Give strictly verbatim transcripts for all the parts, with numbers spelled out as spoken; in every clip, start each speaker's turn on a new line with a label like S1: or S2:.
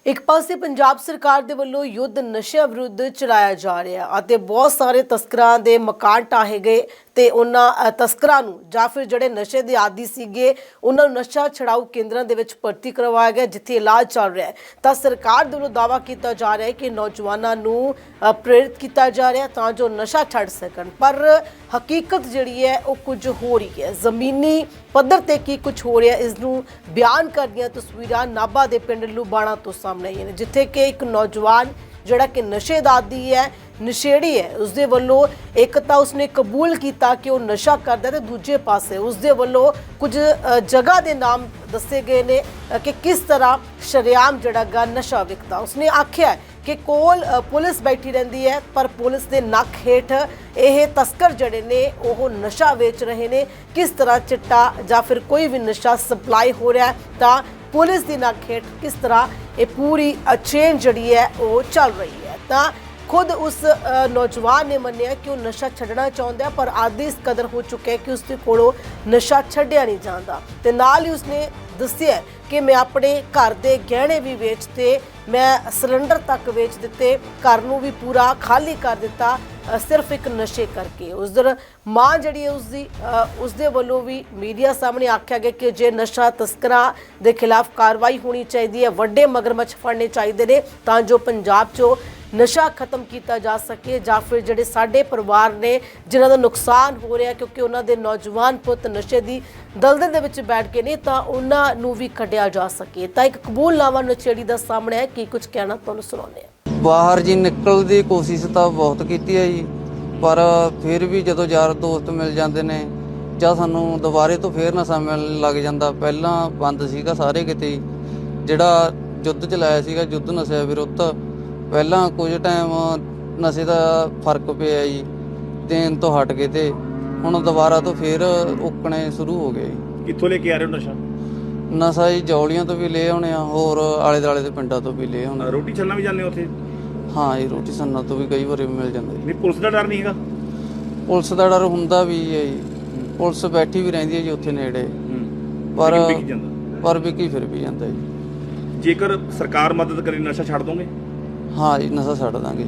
S1: एक पासे पंजाब सरकार दे वल्लों युद्ध नशे विरुद्ध चलाया जा रहा है, बहुत सारे तस्करां दे मकान ढाहे गए ਤੇ ਉਹਨਾਂ ਤਸਕਰਾਂ ਨੂੰ ਜਾਂ ਫਿਰ ਜਿਹੜੇ ਨਸ਼ੇ ਦੇ ਆਦੀ ਸੀਗੇ ਉਹਨਾਂ ਨੂੰ ਨਸ਼ਾ ਛਡਾਊ ਕੇਂਦਰਾਂ ਦੇ ਵਿੱਚ ਭਰਤੀ ਕਰਵਾਇਆ ਗਿਆ, ਜਿੱਥੇ ਇਲਾਜ ਚੱਲ ਰਿਹਾ ਹੈ। ਤਾਂ ਸਰਕਾਰ ਦੇ ਵੱਲੋਂ ਦਾਅਵਾ ਕੀਤਾ ਜਾ ਰਿਹਾ ਹੈ ਕਿ ਨੌਜਵਾਨਾਂ ਨੂੰ ਪ੍ਰੇਰਿਤ ਕੀਤਾ ਜਾ ਰਿਹਾ ਤਾਂ ਜੋ ਨਸ਼ਾ ਛੱਡ ਸਕਣ, ਪਰ ਹਕੀਕਤ ਜਿਹੜੀ ਹੈ ਉਹ ਕੁਝ ਹੋ ਰਹੀ ਹੈ। ਜ਼ਮੀਨੀ ਪੱਧਰ ਤੇ ਕੀ ਕੁਝ ਹੋ ਰਿਹਾ ਇਸ ਨੂੰ ਬਿਆਨ ਕਰਦੀਆਂ ਤਸਵੀਰਾਂ ਨਾਭਾ ਦੇ ਪਿੰਡ ਲੁਬਾਣਾ ਤੋਂ ਸਾਹਮਣੇ ਆਈਆਂ ਨੇ, ਜਿੱਥੇ ਕਿ ਇੱਕ ਨੌਜਵਾਨ ਜਿਹੜਾ ਕਿ ਨਸ਼ੇ ਦਾ ਆਦੀ ਹੈ, ਨਸ਼ੇੜੀ ਹੈ, ਉਸਦੇ ਵੱਲੋਂ ਇੱਕ ਤਾਂ ਉਸਨੇ ਕਬੂਲ ਕੀਤਾ ਕਿ ਉਹ ਨਸ਼ਾ ਕਰਦਾ ਤੇ ਦੂਜੇ ਪਾਸੇ ਉਸਦੇ ਵੱਲੋਂ ਕੁਝ ਜਗ੍ਹਾ ਦੇ ਨਾਮ ਦੱਸੇ ਗਏ ਨੇ ਕਿ ਕਿਸ ਤਰ੍ਹਾਂ ਸ਼ਰੇਆਮ ਜਿਹੜਾ ਗਾ ਨਸ਼ਾ ਵਿਕਦਾ। ਉਸਨੇ ਆਖਿਆ ਕਿ ਕੋਲ ਪੁਲਿਸ ਬੈਠੀ ਰਹਿੰਦੀ ਹੈ, ਪਰ ਪੁਲਿਸ ਦੇ ਨੱਕ ਹੇਠ ਇਹ ਤਸਕਰ ਜਿਹੜੇ ਨੇ ਉਹ ਨਸ਼ਾ ਵੇਚ ਰਹੇ ਨੇ। ਕਿਸ ਤਰ੍ਹਾਂ ਚਿੱਟਾ ਜਾਂ ਫਿਰ ਕੋਈ ਵੀ ਨਸ਼ਾ ਸਪਲਾਈ ਹੋ ਰਿਹਾ ਤਾਂ ਪੁਲਿਸ ਦੀ ਨੱਕ ਹੇਠ ਕਿਸ ਤਰ੍ਹਾਂ ਇਹ ਪੂਰੀ ਚੇਨ ਜਿਹੜੀ ਹੈ ਉਹ ਚੱਲ ਰਹੀ ਹੈ। ਤਾਂ खुद उस नौजवान ने मन्निया कि वह नशा छड्डना चाहता है, पर आदि इस कदर हो चुका है कि उसके कोलों नशा छड्डिया नहीं जाता। ते नाल ही उसने दस्सिया कि मैं अपने घर के गहने भी वेचते, मैं सिलेंडर तक वेच दिते, घर नूं भी पूरा खाली कर दिता सिर्फ एक नशे करके। उस दिन मां जिहड़ी है उसदी उसदे वल्लों भी मीडिया सामने आख्या गया कि जे नशा तस्करां दे खिलाफ कार्रवाई होनी चाहिए है, वड्डे मगरमच्छ फड़ने चाहिए ने तां जो पंजाब चो नशा खत्म किया जा सके, ਜਾਂ ਫਿਰ ਜਿਹੜੇ ਸਾਡੇ ਪਰਿਵਾਰ ਨੇ ਜਿਨ੍ਹਾਂ ਦਾ ਨੁਕਸਾਨ ਹੋ ਰਿਹਾ ਕਿਉਂਕਿ ਉਹਨਾਂ ਦੇ ਨੌਜਵਾਨ ਪੁੱਤ ਨਸ਼ੇ ਦੀ ਦਲਦਲ ਦੇ ਵਿੱਚ ਬੈਠ ਕੇ ਨੇ ਤਾਂ ਉਹਨਾਂ ਨੂੰ ਵੀ ਕੱਢਿਆ ਜਾ ਸਕੇ। ਤਾਂ ਇੱਕ ਕਬੂਲਨਾਮਾ ਨਸ਼ੇੜੀ ਦਾ ਸਾਹਮਣੇ ਹੈ, ਕੀ ਕੁਝ ਕਹਿਣਾ ਤੁਹਾਨੂੰ ਸੁਣਾਉਂਦੇ ਹਾਂ।
S2: ਬਾਹਰ ਜੀ ਨਿਕਲਣ ਦੀ ਕੋਸ਼ਿਸ਼ ਤਾਂ ਬਹੁਤ ਕੀਤੀ ਹੈ ਜੀ, ਪਰ ਫਿਰ ਵੀ ਜਦੋਂ ਯਾਰ ਦੋਸਤ ਮਿਲ ਜਾਂਦੇ ਨੇ ਜਾਂ ਸਾਨੂੰ ਦੁਬਾਰੇ ਤੋਂ ਫੇਰ ਨਸ਼ਾ ਮਿਲਣ ਲੱਗ ਜਾਂਦਾ। ਪਹਿਲਾਂ ਬੰਦ ਸੀਗਾ ਸਾਰੇ ਕਿਤੇ, ਜਿਹੜਾ ਯੁੱਧ ਚਲਾਇਆ ਸੀਗਾ ਯੁੱਧ ਨਸ਼ੇ ਵਿਰੁੱਧ, ਪਹਿਲਾਂ ਕੁਝ ਟਾਈਮ ਨਸ਼ੇ ਦਾ ਫਰਕ ਪਿਆ ਜੀ, ਦੇਣ ਤੋਂ ਹਟ ਗਏ ਤੇ ਹੁਣ ਦੁਬਾਰਾ ਤੋਂ ਫੇਰ ਉੱਕਣੇ ਸ਼ੁਰੂ ਹੋ ਗਏ।
S3: ਕਿੱਥੋਂ ਲੈ ਕੇ ਆ ਰਹੇ ਹੋ ਨਸ਼ਾ?
S2: ਨਸ਼ਾ ਜੀ ਜੌਲੀਆਂ ਤੋਂ ਵੀ ਲੈ ਆਉਣੇ ਆ, ਹੋਰ ਆਲੇ ਦੁਆਲੇ ਦੇ ਪਿੰਡਾਂ ਤੋਂ ਵੀ ਲੈ ਆਉਣੇ।
S3: ਰੋਟੀ ਛੱਲਣਾ ਵੀ ਜਾਂਦੇ ਉੱਥੇ?
S2: ਹਾਂ ਜੀ, ਰੋਟੀ ਛੱਲਣਾ ਤੋਂ ਵੀ ਕਈ ਵਾਰੀ ਮਿਲ ਜਾਂਦਾ ਜੀ।
S3: ਨਹੀਂ ਪੁਲਿਸ ਦਾ ਡਰ ਨਹੀਂ ਹੈਗਾ?
S2: ਪੁਲਿਸ ਦਾ ਡਰ ਹੁੰਦਾ ਵੀ ਹੈ ਜੀ, ਪੁਲਿਸ ਬੈਠੀ ਵੀ ਰਹਿੰਦੀ ਹੈ ਜੀ ਉੱਥੇ ਨੇੜੇ, ਪਰ ਪਰ ਵਿਕੀ ਫਿਰ ਵੀ ਜਾਂਦਾ ਜੀ।
S3: ਜੇਕਰ ਸਰਕਾਰ ਮਦਦ ਕਰੇ ਨਸ਼ਾ ਛੱਡ ਦੋਗੇ? ਹਾਂ
S2: ਜੀ, ਨਸ਼ਾ ਛੱਡ ਦਾਂਗੇ।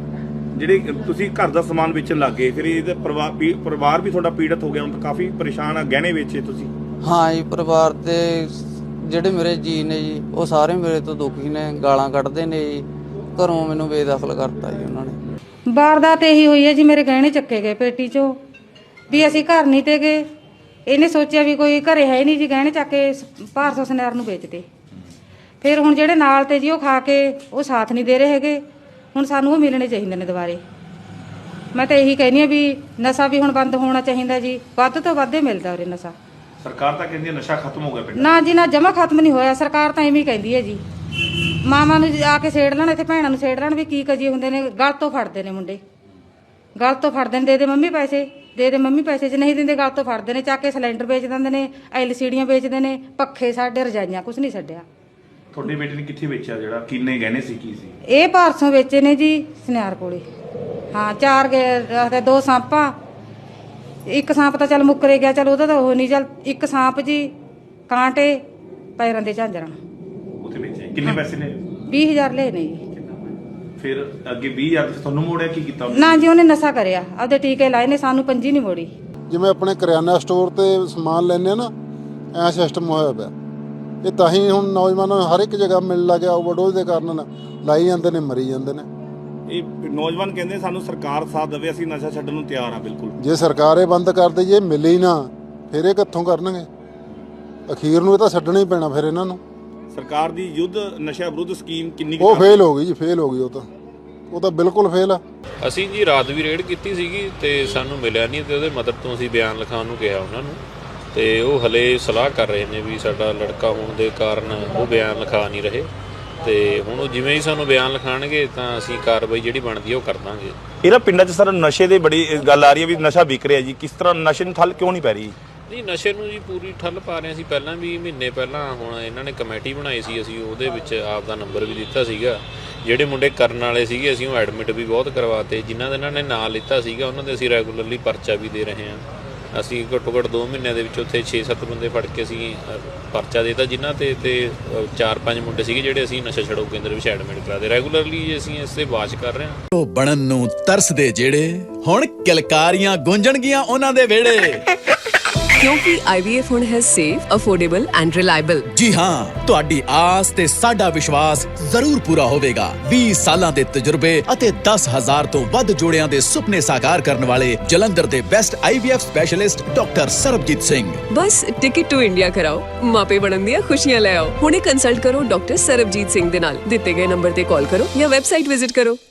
S3: ਜਿਹੜੇ ਤੁਸੀਂ ਘਰ ਦਾ ਸਮਾਨ ਵੇਚਣ ਲੱਗ ਗਏ, ਫਿਰ ਇਹਦੇ ਪਰਿਵਾਰ ਪਰਿਵਾਰ ਵੀ ਤੁਹਾਡਾ ਪੀੜਤ ਹੋ ਗਿਆ, ਹੁਣ ਤਾਂ ਕਾਫੀ ਪਰੇਸ਼ਾਨ ਆ, ਗਹਿਣੇ ਵੇਚੇ ਤੁਸੀਂ?
S2: ਹਾਂ ਜੀ, ਪਰਿਵਾਰ ਤੇ ਜਿਹੜੇ ਮੇਰੇ ਜੀ ਨੇ ਜੀ ਉਹ ਸਾਰੇ ਮੇਰੇ ਤੋਂ ਦੁਖੀ ਨੇ, ਗਾਲਾਂ ਕੱਢਦੇ ਨੇ ਜੀ, ਘਰੋਂ ਮੈਨੂੰ ਬੇਦਖਲ ਕਰਤਾ ਜੀ ਉਹਨਾਂ ਨੇ।
S4: ਵਾਰਦਾਤ ਇਹੀ ਹੋਈ ਹੈ ਜੀ, ਮੇਰੇ ਗਹਿਣੇ ਚੱਕੇ ਗਏ ਪੇਟੀ ਚੋਂ, ਵੀ ਅਸੀਂ ਘਰ ਨਹੀਂ ਤੇ ਗਏ, ਇਹਨੇ ਸੋਚਿਆ ਵੀ ਕੋਈ ਘਰੇ ਹੈ ਨਹੀਂ ਜੀ, ਗਹਿਣੇ ਚੱਕ ਕੇ ਭਾਰਸੋ ਸਨੈਰ ਨੂੰ ਵੇਚਦੇ। ਫਿਰ ਹੁਣ ਜਿਹੜੇ ਨਾਲ ਤੇ ਜੀ ਉਹ ਖਾ ਕੇ ਉਹ ਸਾਥ ਨਹੀਂ ਦੇ ਰਹੇ ਹੈਗੇ, ਹੁਣ ਸਾਨੂੰ ਉਹ ਮਿਲਣੇ ਚਾਹੀਦੇ ਨੇ ਦੁਬਾਰੇ। ਮੈਂ ਤਾਂ ਇਹੀ ਕਹਿੰਦੀ ਆ ਵੀ ਨਸ਼ਾ ਵੀ ਹੁਣ ਬੰਦ ਹੋਣਾ ਚਾਹੀਦਾ ਜੀ, ਵੱਧ ਤੋਂ ਵੱਧ ਮਿਲਦਾ ਉਰੇ ਨਸ਼ਾ।
S3: ਸਰਕਾਰ ਤਾਂ ਕਹਿੰਦੀ ਹੈ ਨਸ਼ਾ ਖਤਮ ਹੋ ਗਿਆ ਪਿੰਡ।
S4: ਨਾ ਜੀ ਨਾ, ਜਮਾ ਖਤਮ ਨਹੀਂ ਹੋਇਆ, ਸਰਕਾਰ ਤਾਂ ਐਵੇਂ ਕਹਿੰਦੀ ਹੈ ਜੀ। ਮਾਵਾਂ ਨੂੰ ਆ ਕੇ ਛੇੜ ਲੈਣ, ਇੱਥੇ ਭੈਣਾਂ ਨੂੰ ਛੇੜ ਲੈਣ, ਵੀ ਕੀ ਕਜੀ ਹੁੰਦੇ ਨੇ, ਗਲ ਤੋਂ ਫੜਦੇ ਨੇ ਮੁੰਡੇ, ਗਲ ਤੋਂ ਫੜਦੇ ਨੇ, ਦੇ ਦੇ ਮੰਮੀ ਪੈਸੇ, ਦੇ ਦੇ ਮੰਮੀ ਪੈਸੇ, ਜੇ ਨਹੀਂ ਦਿੰਦੇ ਗਲ ਤੋਂ ਫੜਦੇ ਨੇ, ਚੱਕ ਕੇ ਸਿਲੰਡਰ ਵੇਚ ਦਿੰਦੇ ਨੇ, ਐਲ ਸੀਡੀਆਂ ਵੇਚਦੇ ਨੇ, ਪੱਖੇ ਸਾਡੇ, ਰਜਾਈਆਂ, ਕੁਛ ਨਹੀਂ ਛੱਡਿਆ।
S3: ਤੁਹਾਡੇ ਬੇਟੇ ਨੇ ਕਿੱਥੇ ਵੇਚਿਆ? ਜਿਹੜਾ ਕਿੰਨੇ ਗਹਿਣੇ ਸੀ, ਕੀ ਸੀ?
S4: ਇਹ ਭਾਰਸੋਂ ਵੇਚੇ ਨੇ ਜੀ, ਸਨਿਆਰ ਕੋਲੇ। ਹਾਂ, ਚਾਰ ਗਏ, ਦੋ ਸਾਂਪਾਂ, ਇੱਕ ਸਾਂਪ ਤਾਂ ਚੱਲ ਮੁੱਕਰੇ ਗਿਆ, ਚੱਲ ਉਹਦਾ ਤਾਂ ਉਹ ਨਹੀਂ, ਚੱਲ ਇੱਕ ਸਾਂਪ ਜੀ, ਕਾਂਟੇ, ਪੈਰਾਂ ਦੇ ਝਾਂਜਰਾਂ।
S3: ਉੱਥੇ ਵੇਚੇ ਕਿੰਨੇ ਪੈਸੇ ਨੇ?
S4: ਵੀਹ ਹਜ਼ਾਰ ਲਏ ਨੇ ਜੀ।
S3: ਫਿਰ ਅੱਗੇ ਵੀਹ ਹਜ਼ਾਰ ਤੁਹਾਨੂੰ ਮੋੜਿਆ, ਕੀ ਕੀਤਾ?
S4: ਨਾ ਜੀ, ਉਹਨੇ ਨਸ਼ਾ ਕਰਿਆ, ਆਪਦੇ ਟੀਕੇ ਲਾਏ ਨੇ, ਸਾਨੂੰ ਪੰਜੀ ਨਹੀਂ ਮੋੜੀ।
S5: ਜਿਵੇਂ ਆਪਣੇ ਕਰਿਆਨਾ ਸਟੋਰ ਤੇ ਸਮਾਨ ਲੈਣੇ ਨਾ, ਐ ਸਿਸਟਮ ਹੋਇਆ ਪਿਆ। ਇਹ ਤਾਂ ਹੀ ਹੁਣ ਨੌਜਵਾਨਾਂ ਨੂੰ ਹਰ ਇੱਕ ਜਗ੍ਹਾ ਮਿਲਣ ਲੱਗ ਗਿਆ, ਓਵਰਡੋਜ਼ ਦੇ ਕਾਰਨ ਲਾਈ ਜਾਂਦੇ ਨੇ, ਮਰੀ ਜਾਂਦੇ ਨੇ।
S3: ਇਹ ਨੌਜਵਾਨ ਕਹਿੰਦੇ ਸਾਨੂੰ ਸਰਕਾਰ ਸਾਥ ਦੇਵੇ, ਅਸੀਂ ਨਸ਼ਾ ਛੱਡਣ ਨੂੰ ਤਿਆਰ ਆ। ਬਿਲਕੁਲ, ਜੇ
S5: ਸਰਕਾਰ ਇਹ ਬੰਦ ਕਰ ਦੇ, ਜੇ ਮਿਲੇ ਹੀ ਨਾ ਫਿਰ ਇਹ ਕਿੱਥੋਂ ਕਰਨਗੇ? ਅਖੀਰ ਨੂੰ ਇਹ ਤਾਂ ਛੱਡਣਾ ਹੀ ਪੈਣਾ ਫਿਰ ਇਹਨਾਂ ਨੂੰ।
S3: ਸਰਕਾਰ ਦੀ ਯੁੱਧ ਨਸ਼ਾ ਵਿਰੁੱਧ ਸਕੀਮ ਕਿੰਨੀ
S5: ਉਹ ਫੇਲ ਹੋ ਗਈ ਜੀ, ਫੇਲ ਹੋ ਗਈ। ਉਹ ਤਾਂ ਉਹ ਤਾਂ ਬਿਲਕੁਲ ਫੇਲ ਆ।
S6: ਅਸੀਂ ਜੀ ਰਾਤ ਵੀ ਰੇਡ ਕੀਤੀ ਸੀਗੀ ਤੇ ਸਾਨੂੰ ਮਿਲਿਆ ਨਹੀਂ, ਤੇ ਉਹਦੇ ਮਦਦ ਤੋਂ ਅਸੀਂ ਬਿਆਨ ਲਿਖਾਉਣ ਨੂੰ ਕਿਹਾ ਉਹਨਾਂ ਨੂੰ, ਤੇ ਉਹ ਹਲੇ ਸਲਾਹ ਕਰ ਰਹੇ ਨੇ ਵੀ ਸਾਡਾ ਲੜਕਾ ਹੋਣ ਦੇ ਕਾਰਨ ਉਹ ਬਿਆਨ ਲਿਖਾ ਨਹੀਂ ਰਹੇ, ਤੇ ਹੁਣ ਉਹ ਜਿਵੇਂ ਹੀ ਸਾਨੂੰ ਬਿਆਨ ਲਿਖਾਣਗੇ ਤਾਂ ਅਸੀਂ ਕਾਰਵਾਈ ਜਿਹੜੀ ਬਣਦੀ ਉਹ ਕਰ ਦਾਂਗੇ।
S3: ਇਹਦਾ ਪਿੰਡਾਂ 'ਚ ਸਰ ਨਸ਼ੇ ਦੇ ਬੜੀ ਗੱਲ ਆ ਰਹੀ ਹੈ ਵੀ ਨਸ਼ਾ ਵਿਕ ਰਿਹਾ ਜੀ, ਕਿਸ ਤਰ੍ਹਾਂ ਨਸ਼ੇ ਨੂੰ ਠੱਲ ਕਿਉਂ ਨਹੀਂ ਪੈ ਰਹੀ?
S6: ਨਹੀਂ, ਨਸ਼ੇ ਨੂੰ ਜੀ ਪੂਰੀ ਠੱਲ ਪਾ ਰਹੇ ਸੀ ਪਹਿਲਾਂ ਵੀ, ਮਹੀਨੇ ਪਹਿਲਾਂ ਹੁਣ ਇਹਨਾਂ ਨੇ ਕਮੇਟੀ ਬਣਾਈ ਸੀ, ਅਸੀਂ ਉਹਦੇ ਵਿੱਚ ਆਪ ਦਾ ਨੰਬਰ ਵੀ ਦਿੱਤਾ ਸੀਗਾ। ਜਿਹੜੇ ਮੁੰਡੇ ਕਰਨ ਵਾਲੇ ਸੀਗੇ ਅਸੀਂ ਉਹ ਐਡਮਿਟ ਵੀ ਬਹੁਤ ਕਰਵਾਤੇ, ਜਿਨ੍ਹਾਂ ਦੇ ਇਹਨਾਂ ਨੇ ਨਾਂ ਲਿੱਤਾ ਸੀਗਾ ਉਹਨਾਂ ਦੇ ਅਸੀਂ ਰੈਗੂਲਰਲੀ ਪਰਚਾ ਵੀ ਦੇ ਰਹੇ ਹਾਂ। ਅਸੀਂ ਘੱਟੋ ਘੱਟ ਦੋ ਮਹੀਨਿਆਂ ਦੇ ਵਿੱਚ ਉੱਥੇ ਛੇ ਸੱਤ ਬੰਦੇ ਫੜ ਕੇ ਅਸੀਂ ਅ, ਪਰਚਾ ਦੇਤਾ ਜਿਨ੍ਹਾਂ ਤੇ ਤੇ ਅ, ਚਾਰ ਪੰਜ ਮੁੰਡੇ ਸੀਗੇ ਜਿਹੜੇ ਅਸੀਂ ਨਸ਼ਾ ਛਡਾਊ ਕੇਂਦਰ ਵਿੱਚ ਐਡਮਿਟ ਕਰਾਦੇ ਰੈਗੂਲਰਲੀ ਅਸੀਂ ਇਸ ਤੇ ਵਾਚ ਕਰ ਰਹੇ ਹਾਂ।
S7: ਉਹ ਬਣਨ ਨੂੰ ਤਰਸਦੇ ਜਿਹੜੇ ਹੁਣ ਕਿਲਕਾਰੀਆਂ ਗੂੰਜਣਗੀਆਂ ਉਹਨਾਂ ਦੇ ਵਿਹੜੇ।
S8: ਕਿਉਂਕਿ I V F ਹੁਣ ਹੈ ਸੇਫ, ਅਫੋਰਡੇਬਲ ਐਂਡ ਰਿਲਾਇਬਲ।
S7: ਜੀ ਹਾਂ, ਤੁਹਾਡੀ ਆਸ ਤੇ ਸਾਡਾ ਵਿਸ਼ਵਾਸ ਜ਼ਰੂਰ ਪੂਰਾ ਹੋਵੇਗਾ। ਵੀਹ ਸਾਲਾਂ ਦੇ ਤਜਰਬੇ ਅਤੇ ਦਸ ਹਜ਼ਾਰ ਤੋਂ ਵੱਧ ਜੋੜਿਆਂ ਦੇ ਸੁਪਨੇ ਸਾਕਾਰ ਕਰਨ ਵਾਲੇ ਜਲੰਧਰ ਦੇ best I V F specialist doctor Sarabjit Singh.
S8: ਬਸ ਟਿਕਟ ਟੂ ਇੰਡੀਆ ਕਰਾਓ, ਮਾਪੇ ਬਣਨ ਦੀਆਂ ਖੁਸ਼ੀਆਂ ਲੈ ਆਓ। ਹੁਣੇ ਕੰਸਲਟ ਕਰੋ ਡਾਕਟਰ ਸਰਬਜੀਤ ਸਿੰਘ ਦੇ ਨਾਲ। ਦਿੱਤੇ ਗਏ ਨੰਬਰ ਤੇ ਕਾਲ ਕਰੋ ਜਾਂ ਵੈਬਸਾਈਟ ਵਿਜ਼ਿਟ ਕਰੋ।